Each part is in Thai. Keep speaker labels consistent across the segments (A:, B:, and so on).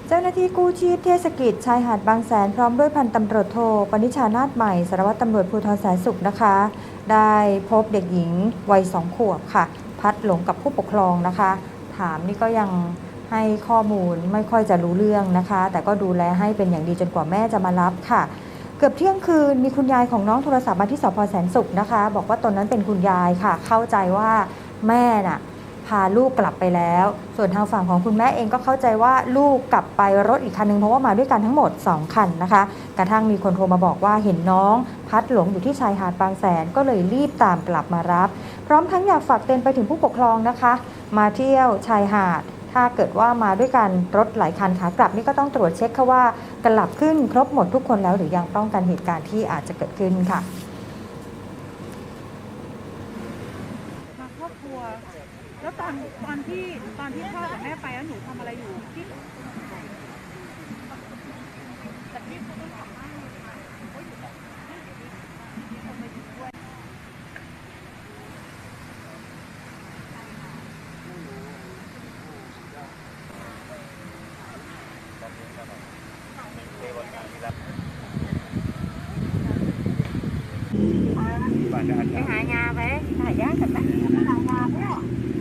A: เจ้าหน้าที่กู้ชีพเทศกิจชายหาดบางแสนพร้อมด้วยพันตำรวจโทปณิชานาถใหม่สารวัตรตำรวจภูธรแสนสุขนะคะได้พบเด็กหญิงวัย2 ขวบค่ะพัดหลงกับผู้ปกครองนะคะถามนี่ก็ยังให้ข้อมูลไม่ค่อยจะรู้เรื่องนะคะแต่ก็ดูแลให้เป็นอย่างดีจนกว่าแม่จะมารับค่ะเกือบเที่ยงคืนมีคุณยายของน้องโทรศัพท์มาที่สภ.แสนสุขนะคะบอกว่าตนนั้นเป็นคุณยายค่ะเข้าใจว่าแม่น่ะพาลูกกลับไปแล้วส่วนทางฝั่งของคุณแม่เองก็เข้าใจว่าลูกกลับไปรถอีกคันนึงเพราะว่ามาด้วยกันทั้งหมด2 คันนะคะกระทั่งมีคนโทรมาบอกว่าเห็นน้องพัดหลงอยู่ที่ชายหาดบางแสนก็เลยรีบตามกลับมารับพร้อมทั้งอยากฝากเตือนไปถึงผู้ปกครองนะคะมาเที่ยวชายหาดถ้าเกิดว่ามาด้วยกันรถหลายคันขากลับนี่ก็ต้องตรวจเช็คค่ะว่ากลับขึ้นครบหมดทุกคนแล้วหรือยังป้องกันเหตุการณ์ที่อาจจะเกิดขึ้นค่ะ
B: มาครอบครัวแล้วตอนที่พ่อกับแม่ไปแล้วหนูทำอะไรอยู่ที่ไปหางานไปหายากกันไหมหางานเนี่ย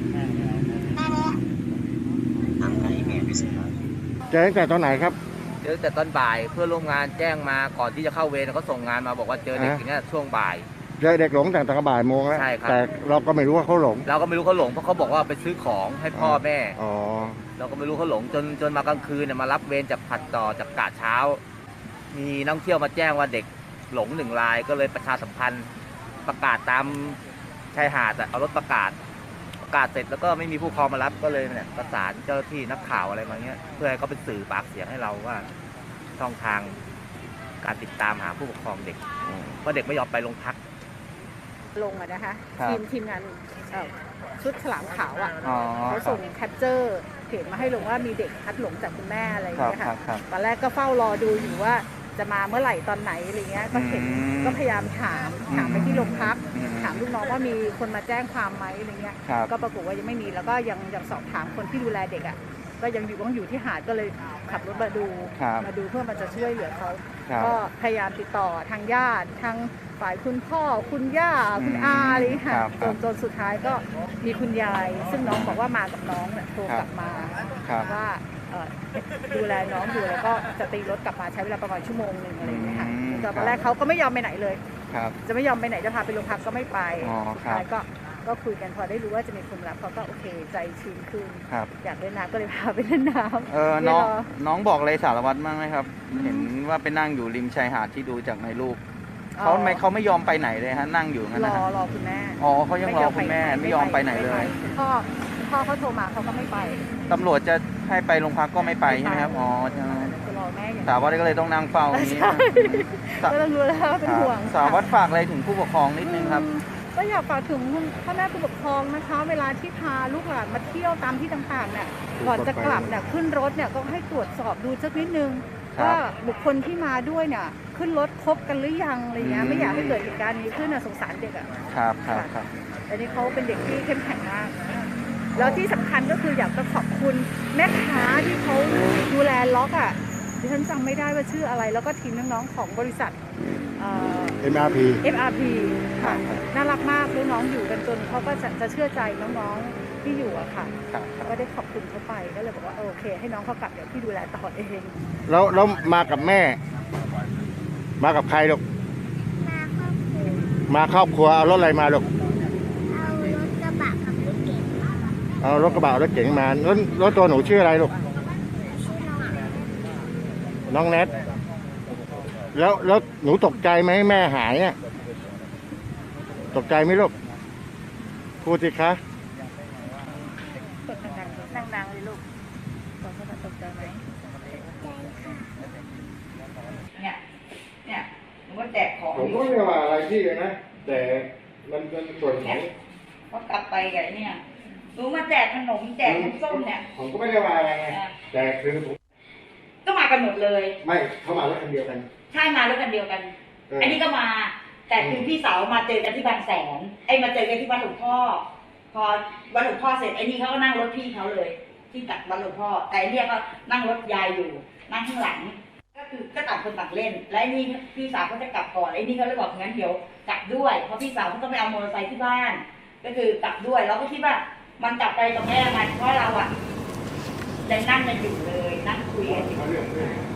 C: เจอตั้งแต่ตอนไหนครับ
D: เจอแต่ตอนบ่ายเพื่อนร่วมงานแจ้งมาก่อนที่จะเข้าเวรเขาส่งงานมาบอกว่าเจอเด็กอย่างนี้ช่วงบ่าย
C: เจอเด็กหลงตั้งแต่บ่ายโมงแล้ว
D: ใช่ครับ
C: แต่เราก็ไม่รู้ว่าเขาหลง
D: เราก็ไม่รู้เขาหลงเพราะเขาบอกว่าไปซื้อของให้พ่อแม่
C: อ๋อ
D: เราก็ไม่รู้เขาหลงจนมากลางคืนเนี่ยมารับเวรจากผัดต่อจากกะเช้ามีนักท่องเที่ยวมาแจ้งว่าเด็กหลง1 รายก็เลยประชาสัมพันธ์ประกาศตามชายหาดเอารถประกาศเสร็จแล้วก็ไม่มีผู้ปกครองมารับก็เลยเนี่ยประสานเจ้าหน้าที่นักข่าวอะไรมาเงี้ยเพื่อให้เขาเป็นสื่อปากเสียงให้เราว่าช่องทางการติดตามหาผู้ปกครองเด็กเพราะเด็กไม่ยอมไปโรงพัก
B: ลงอะนะคะทีมงานชุดฉลามขาวอ่ะเขาส่งแคปเจอร์เพจมาให้ลงว่ามีเด็กพัดหลงจากคุณแม่อะไรอย่างเงี้ยค่ะตอนแรกก็เฝ้ารอดูอยู่ว่าจะมาเมื่อไหร่ตอนไหนอะไรเงี้ยก็เห็นก็พยายามถามไปที่โรงพักถามลูกน้องว่ามีคนมาแจ้งความไหมอะไรเงี้ยก็ปรากฏว่ายังไม่มีแล้วก็ยังสอบถามคนที่ดูแลเด็กอ่ะก็ยังอยู่ที่หาดก็เลยขับรถมาดูเพื่อมันจะช่วยเหลือเขาก็พยายามติดต่อทางญาติทางฝ่ายคุณพ่อคุณย่าคุณอาอะไรค่ะจนสุดท้ายก็มีคุณยายซึ่งน้องบอกว่ามากับน้องเนี่ยโทรกลับมาว่าดูแลน้องอยู่แล้วก็จะตีรถกลับมาใช้เวลาประมาณ1 ชั่วโมงอะไรอย่างเงี้ยค่ะตอนแรกเขาก็ไม่ยอมไปไหนเลยจะไม่ยอมไปไหนจะพาไปโรงพักก็ไม่ไปสุดท้ายก็คุยกันพอได้รู้ว่าจะมีคนรับเขาก็โอเคใจชื้นขึ้นอยากเล่นน้ำก็เลยพาไปเล่นน้ำ
E: น้องบอกอะไรสารวัตรบ้างไหมครับเห็นว่าไปนั่งอยู่ริมชายหาดที่ดูจากในรูปเขาไม่ยอมไปไหนเลยฮะนั่งอยู่งั้นนะ
B: รอคุณแม่
E: อ๋อเขายังรอคุณแม่ไม่ยอมไปไหนเลย
B: พ่อเขาโทรมาเขาก็ไม่ไป
E: ตำรวจจะให้ไปโรงพักก็ไม่ไปใช่ไหมครับอ๋อใช่
B: รอแม่อย่าง
E: สารวัตรก็เลยต้องนั่งเฝ้าอย่างนี้
B: ก็ต้องรู้แล้วเป็นห่วง
E: สารวัตรฝากอะไรถึงผู้ปกครองนิดนึงครับ
B: ก็อยากฝากถึงพ่อแม่ผู้ปกครองนะคะเวลาที่พาลูกหลานมาเที่ยวตามที่ต่างๆเนี่ยก่อนจะกลับเนี่ยขึ้นรถเนี่ยก็ให้ตรวจสอบดูสักนิดนึงว่าบุคคลที่มาด้วยเนี่ยขึ้นรถครบกันหรือยังอะไรเงี้ยไม่อยากให้เกิดเหตุการณ์นี้ขึ้นสงสารเด็กอ่ะ
E: ครับ
B: อันนี้เขาเป็นเด็กที่เข้มแข็งมากแล้วที่สำคัญก็คืออยากจะขอบคุณแม่ค้าที่เขาดูแลล็อกอ่ะดิฉันจำไม่ได้ว่าชื่ออะไรแล้วก็ทีมน้องๆของบริษัทMRP ค่ะน่ารักมากลูกน้องอยู่กันจนเขาก็จะเชื่อใจน้องๆที่อยู่อะค่ะก็ได้ขอบคุณเขาไปก็เลยบอกว่าโอเคให้น้องเขากลับเดี๋ยวพี่ดูแลต่อเอง
C: แล้วมากับแม่มากับใครลูกมาครอบครัวเอารถอะไรมาลูกเอารถกระบะรถเก๋งมาแล้วตัวหนูชื่ออะไรลูกน้องเน็ตแล้วหนูตกใจไหมแม่หายอ่ะตกใจไหมลูกพูดสิคะ
B: ดังเลยลูกตกใจไหมเนี่ยหนูว่าแจกของ
C: ผมก็ไม่ว่าอะไรที่เลยนะแต่มันเป็นส่วนของ
B: ก็กลับไปไงเนี่ยหนูมาแจกขนมแจกน้ำส้มเนี่ย
C: ผมก็ไม่ได้ว่าอะไรไงแต่คือผม
B: ก็มากันหมดเลย
C: ไม่เขามารถคันเดียวกัน
B: ใช่มารถคันเดียวกันอันนี้ก็มาแต่คือพี่สาวมาเจอกันที่บางแสนมาเจอกันที่วัดหลวงพ่อพอวัดหลวงพ่อเสร็จไอ้นี่เขาก็นั่งรถพี่เขาเลย
F: ที่จากบ้านหลวงพ่อแต่เนี่ยก็นั่งรถยายอยู่นั่งข้างหลังก็คือก็ต่างคนต่างเล่นและนี่พี่สาวเขาจะกลับก่อนไอ้นี่เขาเลยบอกงั้นเดี๋ยวกลับด้วยเพราะพี่สาวเขาต้องไปเอามอเตอร์ไซค์ที่บ้านก็คือกลับด้วยเราก็คิดว่ามันกลับไปกับแม่มันเพราะเราอะยังนั่งกันอยู่เลยนั่งคุยกันอยู่